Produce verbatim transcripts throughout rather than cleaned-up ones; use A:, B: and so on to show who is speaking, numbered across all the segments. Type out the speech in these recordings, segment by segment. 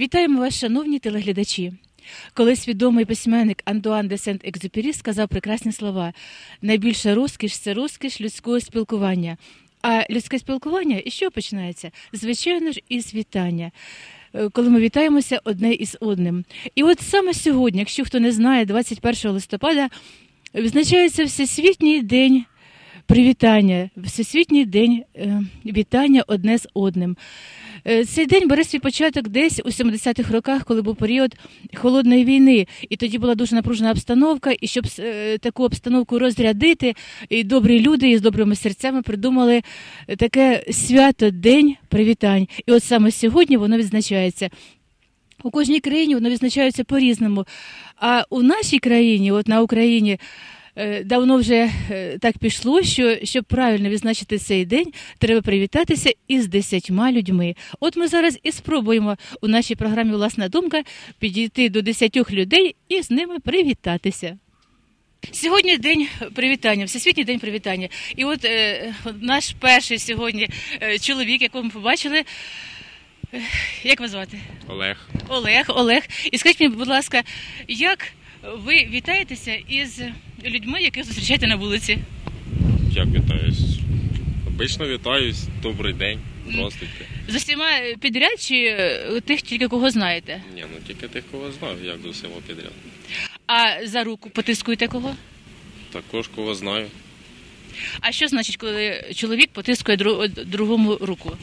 A: Вітаємо вас, шановні телеглядачі. Колись відомий письменник Антуан де Сент-Екзюпері сказав прекрасні слова: «Найбільша розкіш – це розкіш людського спілкування». А людське спілкування із чого починається? Звичайно ж, із вітання, коли ми вітаємося одне із одним. І от саме сьогодні, якщо хто не знає, двадцять першого листопада відзначається Всесвітній день привітання, Всесвітній день е, вітання одне з одним. Е, цей день бере свій початок десь у сімдесятих роках, коли був період холодної війни. І тоді була дуже напружена обстановка, і щоб е, таку обстановку розрядити, і добрі люди із добрими серцями придумали таке свято, день привітань. І от саме сьогодні воно відзначається. У кожній країні воно відзначається по-різному. А у нашій країні, от на Україні, давно вже так пішло, що щоб правильно відзначити цей день, треба привітатися із десятьма людьми. От ми зараз і спробуємо у нашій програмі «Власна думка» підійти до десятьох людей і з ними привітатися. Сьогодні день привітання, Всесвітній день привітання. І от е, наш перший сьогодні е, чоловік, якого ми побачили, е, як вас звати?
B: Олег.
A: Олег, Олег. І скажіть мені, будь ласка, як ви вітаєтеся із людьми, яких зустрічаєте на вулиці?
B: Як вітаюсь? Обично вітаюсь, добрий день, здравствуйте.
A: З усіма підряд чи тих тільки кого знаєте?
B: Ні, ну тільки тих, кого знаю, як з усіма підряд.
A: А за руку потискуєте кого?
B: Також кого знаю.
A: А що значить, коли чоловік потискує дру... другому руку?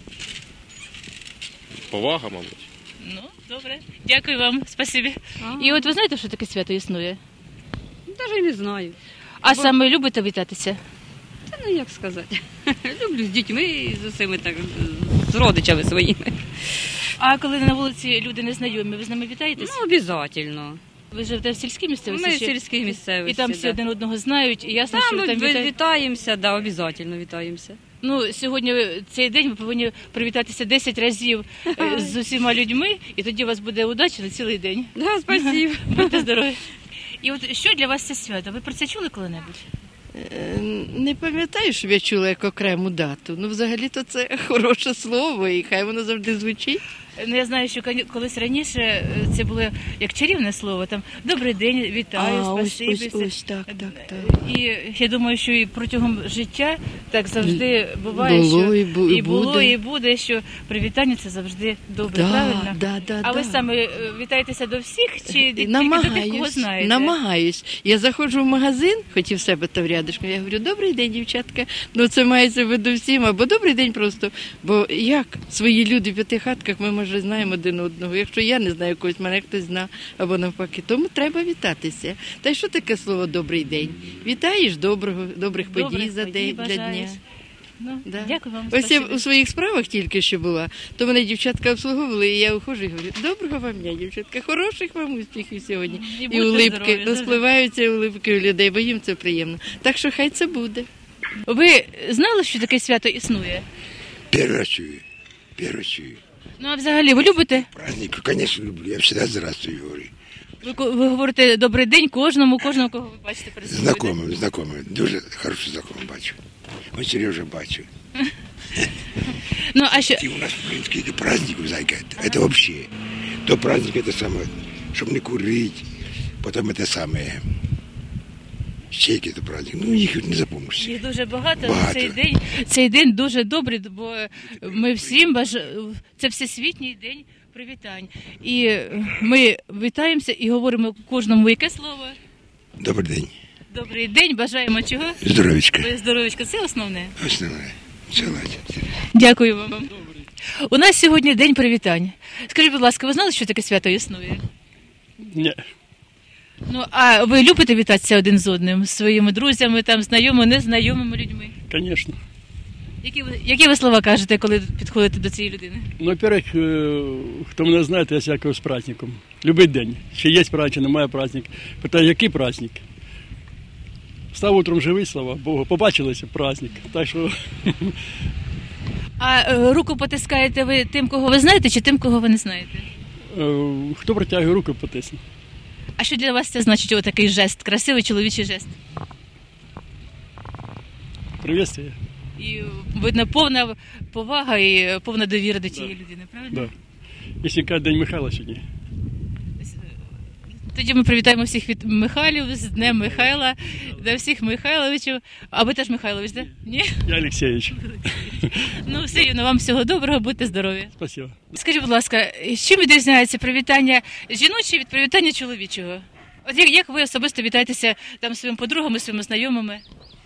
B: Повага, мабуть.
A: Ну, добре. Дякую вам, спасибі. А-а-а. І от ви знаєте, що таке свято існує?
C: Навіть не знаю.
A: А
C: Бо...
A: саме любите вітатися?
C: Та ну як сказати. Люблю з дітьми і з усіми, так, з родичами своїми.
A: А коли на вулиці люди незнайомі, ви з ними вітаєтесь?
C: Ну, обов'язково.
A: Ви живете в сільській місцевості?
C: Ми в сільській місцевості.
A: І там всі
C: да.
A: один одного знають, і ясно,
C: там,
A: що ви там вітаєте?
C: вітаємося, да, обов'язково вітаємося.
A: Ну, сьогодні цей день ви повинні привітатися десять разів з усіма людьми, і тоді у вас буде удача на цілий день.
C: Да, спасибо.
A: Будьте здорові. І от що для вас це свято? Ви про це чули коли-небудь?
D: Не пам'ятаю, щоб я чула як окрему дату. Ну, взагалі-то це хороше слово, і хай воно завжди звучить.
A: Ну, я знаю, що колись раніше це було як чарівне слово, там «добрий день, вітаю,
D: а,
A: спасибі».
D: Ось, ось, ось, так, так, так.
A: І я думаю, що і протягом життя так завжди буває,
D: було,
A: що
D: і, бу,
A: і було,
D: буде.
A: і буде, що привітання це завжди добре,
D: да,
A: правильно?
D: Да, да,
A: а
D: да.
A: ви саме вітаєтеся до всіх чи тільки
D: намагаюсь,
A: до тих, кого знаєте?
D: Намагаюсь. Я заходжу в магазин, хоч і в себе то в рядишку, я говорю: «Добрий день, дівчатка». Ну, це мається в виду всім, або «добрий день» просто. Бо як свої люди в п'яти хатках, ми, може, знаємо один одного. Якщо я не знаю когось, мене хтось знає, або навпаки. Тому треба вітатися. Та й що таке слово «добрий день»? Вітаєш доброго, добрих подій
A: Добрих
D: за
A: подій
D: день, для
A: бажаєш.
D: дня.
A: Ну,
D: Да.
A: Дякую вам.
D: Ось
A: спасибо.
D: я у своїх справах тільки що була, то мене дівчатка обслуговували, і я ухожу і говорю: «Доброго вам дня, дівчатка, хороших вам успіхів сьогодні».
A: І,
D: І
A: будьте
D: улипки,
A: здорові,
D: розпливаються улипки у людей, бо їм це приємно. Так що хай це буде.
A: Ви знали, що таке свято існує?
E: Первый раз чую. Первый чую.
A: Ну, а взагалі, ви любите?
E: Праздник, конечно, люблю. Я всегда здравствуй говорю.
A: Ви, ви говорите «добрий день» кожному, кожного, кого ви бачите перед собою.
E: Знакомым, знакомым. Дуже хороший знакомый бачу. Он Сережа бачу.
A: Ну, а що?
E: И у нас, в принципе, это праздник, зайка, это, это вообще. То праздник, это самое, чтобы не курить, потом это самое, щейки, это праздник. Ну, их не запомнишь.
A: Їх дуже багато.
E: Багато.
A: Цей день, цей день дуже добрий, бо ми всім бажаємо, це Всесвітній день привітань. І ми вітаємося і говоримо кожному яке слово?
E: Добрий день.
A: Добрий день, бажаємо чого?
E: Здоровечка.
A: Ви здоровечка, це основне.
E: Основное. Целать.
A: Дякую вам. У нас сьогодні день привітань. Скажіть, будь ласка, ви знали, що таке свято існує?
F: Ні.
A: Ну, а ви любите вітатися один з одним, з своїми друзями, там, знайомими, незнайомими людьми?
F: Звісно.
A: Які ви, які ви слова кажете, коли підходите до цієї людини?
F: Ну, во-первых, хто мене знає, то я всякого з праздником. Любий день. Чи є праздник, чи немає праздник. Питаю, який праздник? Став утром живий, слава Богу. Побачилися праздник. Так що...
A: А е, руку потискаєте ви тим, кого ви знаєте, чи тим, кого ви не знаєте?
F: Е, Хто протягує руку, потисне.
A: А що для вас це значить, отакий жест, красивий чоловічий жест?
F: Приветствие.
A: І, видно, повна повага і повна довіра до цієї
F: Да.
A: людини, правильно?
F: Да. якщо каже День Михайла сьогодні.
A: Тоді ми привітаємо всіх від Михайлів з Днем Михайла, до всіх Михайловичів. А ви теж Михайлович, так? Да? Ні?
F: Я Олексійович.
A: Ну, все рівно, вам всього доброго, будьте здорові.
F: Спасибо.
A: Скажіть, будь ласка, чим відрізняється привітання жіноче від привітання чоловічого? От як, як ви особисто вітаєтеся там своїми подругами, своїми знайомими?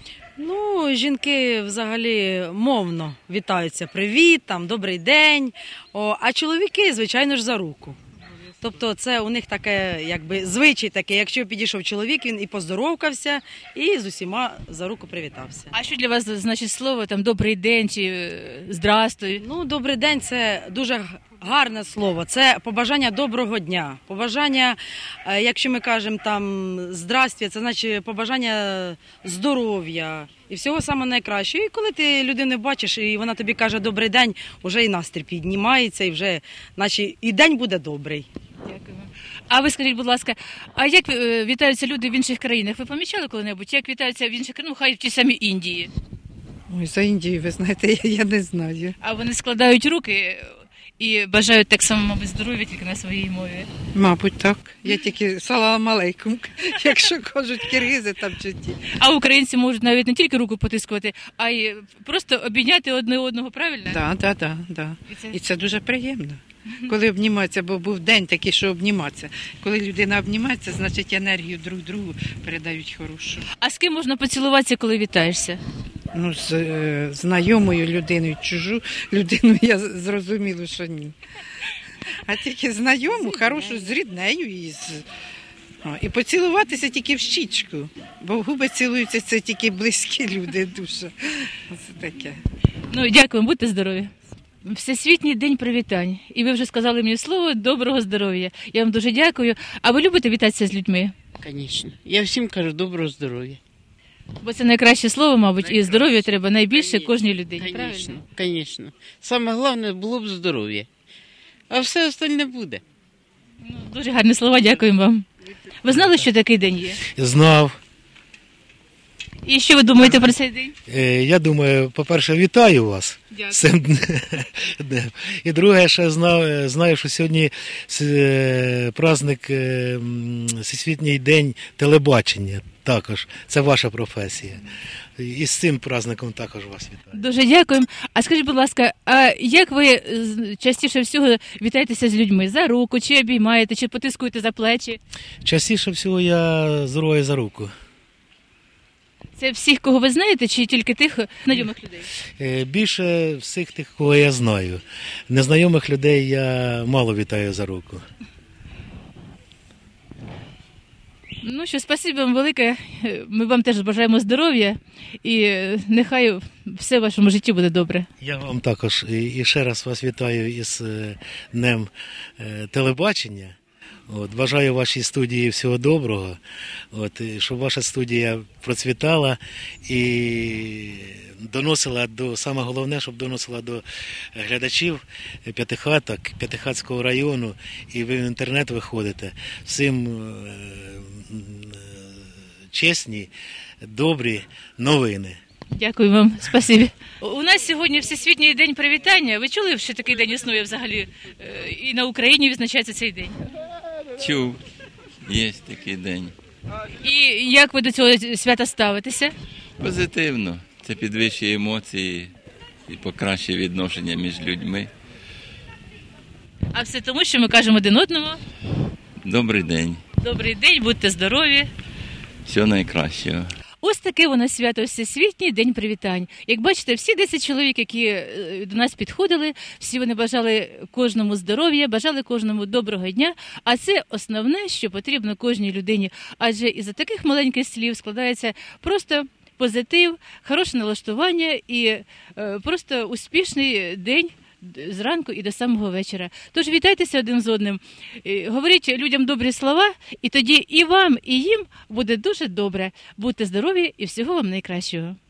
G: Ну, жінки взагалі мовно вітаються. Привіт, там, добрий день. О, а чоловіки, звичайно ж, за руку. Тобто це у них таке, якби, звичай такий. Якщо підійшов чоловік, він і поздоровкався, і з усіма за руку привітався.
A: А що для вас значить слово там добрий день чи е, здрастуй?
G: Ну, добрий день – це дуже гарне слово. Це побажання доброго дня. Побажання, е, якщо ми кажемо там здрастя, це значить побажання здоров'я і всього самого найкращого. І коли ти людину бачиш, і вона тобі каже добрий день, вже і настрій піднімається, і вже, наче, і день буде добрий.
A: Дякую. А ви скажіть, будь ласка, а як е, вітаються люди в інших країнах? Ви помічали коли-небудь? Як вітаються в інших країнах, ну, хай в тій самій Індії?
H: Ой, за Індію, ви знаєте, я, я не знаю.
A: А вони складають руки і бажають так само, мабуть, здоров'я тільки на своїй мові.
H: Мабуть, так. Я тільки салам алейкум, якщо кажуть киргизи там чи ті.
A: А українці можуть навіть не тільки руку потискувати, а й просто обійняти одне одного, правильно?
H: Так, так, так, так.
A: І це-
H: І це дуже приємно. Коли обніматися, бо був день такий, що обніматися. Коли людина обнімається, значить енергію друг другу передають хорошу.
A: А з ким можна поцілуватися, коли вітаєшся?
H: Ну, з е, знайомою людиною, чужу людину я з- зрозуміло, що ні. А тільки знайому, хорошу, з ріднею і з... О, і поцілуватися тільки в щічку, бо в губи цілуються це тільки близькі люди дуже. Це таке.
A: Ну, дякую, будьте здорові. Всесвітній день привітань. І ви вже сказали мені слово доброго здоров'я. Я вам дуже дякую. А ви любите вітатися з людьми?
I: Звісно. Я всім кажу доброго здоров'я.
A: Бо це найкраще слово, мабуть, і здоров'я треба найбільше кожній людині. Правильно?
I: Звісно, звісно. Саме головне було б здоров'я. А все остальне буде.
A: Ну, дуже гарні слова, дякую вам. Ви знали, що такий день є?
J: Знав.
A: І що ви думаєте про цей день?
J: Е, Я думаю, по-перше, вітаю вас
A: Дякую.
J: з цим днем. І друге, ще знав, знаю, що сьогодні е, праздник е, м, Всесвітній день телебачення. Також це ваша професія. І з цим праздником також вас вітаю.
A: Дуже дякуємо. А скажіть, будь ласка, а як ви з- частіше всього вітаєтеся з людьми? За руку, чи обіймаєте, чи потискуєте за плечі?
J: Частіше всього я здоров'я за руку.
A: Це всіх, кого ви знаєте, чи тільки тих знайомих людей?
J: Е, Більше всіх тих, кого я знаю. Незнайомих людей я мало вітаю за руку.
A: Ну що, спасибі вам велике. Ми вам теж бажаємо здоров'я і нехай все в вашому житті буде добре.
J: Я вам також і і ще раз вас вітаю із е, Днем е, телебачення. От, бажаю вашій студії всього доброго, от, і щоб ваша студія процвітала і доносила до, саме головне, щоб доносила до глядачів п'ятихаток, П'ятихатського району, і ви в інтернет виходите. Всім е, е, чесні, добрі новини.
A: Дякую вам, спасибі. У нас сьогодні Всесвітній день привітання. Ви чули, що такий день існує взагалі? Е, І на Україні відзначається цей день.
K: Чув, є такий день.
A: І як ви до цього свята ставитеся?
K: Позитивно. Це підвищує емоції і покращує відношення між людьми.
A: А все тому, що ми кажемо один одному.
K: Добрий день.
A: Добрий день, будьте здорові.
K: Всього найкращого.
A: Ось таке воно свято Всесвітній день привітань. Як бачите, всі десять чоловік, які е, до нас підходили, всі вони бажали кожному здоров'я, бажали кожному доброго дня. А це основне, що потрібно кожній людині. Адже із таких маленьких слів складається просто позитив, хороше налаштування і е, просто успішний день зранку і до самого вечора. Тож вітайтеся один з одним, е, говоріть людям добрі слова, і тоді і вам, і їм буде дуже добре. Будьте здорові і всього вам найкращого.